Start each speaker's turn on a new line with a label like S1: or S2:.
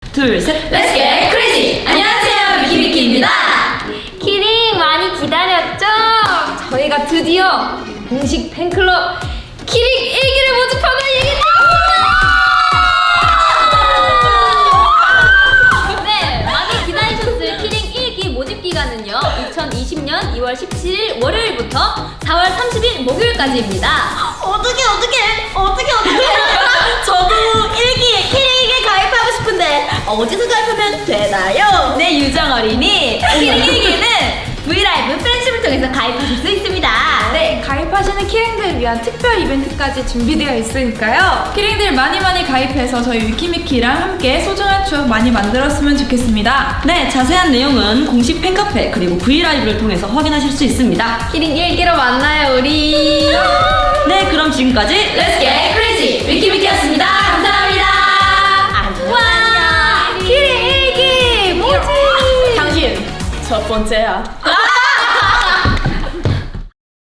S1: 둘, 셋.
S2: Let's get crazy! 안녕하세요, 위키위키입니다.
S3: 키링 많이 기다렸죠? 저희가 드디어 공식 팬클럽 키링 1기를 모집하고 얘기했죠! 네, 많이 기다리셨을 키링 1기 모집 기간은요 2020년 2월 17일 월요일부터 4월 30일 목요일까지입니다.
S2: 어떡해. 저도 1기에 키링에 가입하고 싶은데 어디서 가입하면 되나요?
S1: 네, 유정 어린이.
S2: 키링 1기는 브이라이브 팬심을 통해서 가입하실 수 있습니다.
S4: 네, 가입하시는 키링들을 위한 특별 이벤트까지 준비되어 있으니까요.
S5: 키링들 많이 가입해서 저희 위키미키랑 함께 소중한 추억 많이 만들었으면 좋겠습니다.
S1: 네, 자세한 내용은 공식 팬카페 그리고 브이라이브를 통해서 확인하실 수 있습니다.
S3: 키링 1기로 만나요 우리.
S1: 네, 그럼 지금까지
S2: Let's get crazy! 위키위키였습니다. 감사합니다.
S3: 와, 키링 1기 모집!
S5: 당신 첫 번째야.